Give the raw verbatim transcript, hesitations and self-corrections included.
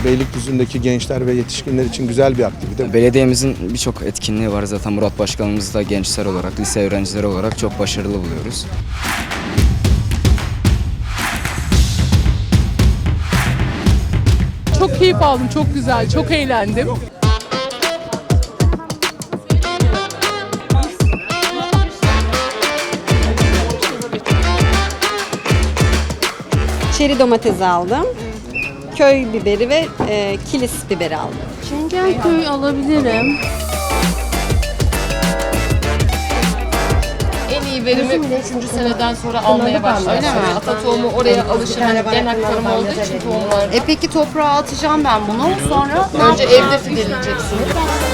Beylikdüzü'ndeki gençler ve yetişkinler için güzel bir aktivite. Belediyemizin birçok etkinliği var. Zaten Murat Başkanımız da gençler olarak, lise öğrencileri olarak çok başarılı buluyoruz. Çok keyif aldım, çok güzel, çok eğlendim. Çeri domates aldım. Köy biberi ve e, kilis biberi aldım. Çengelköy alabilirim. En iyi verimi üçüncü seneden sonra almaya başladı. Öyle mi? Ata tohumu oraya alışır. Hani gen aktarımı olduğu için tohumlar. E peki toprağa atacağım ben bunu. Sonra Önce evde fideleyeceksiniz.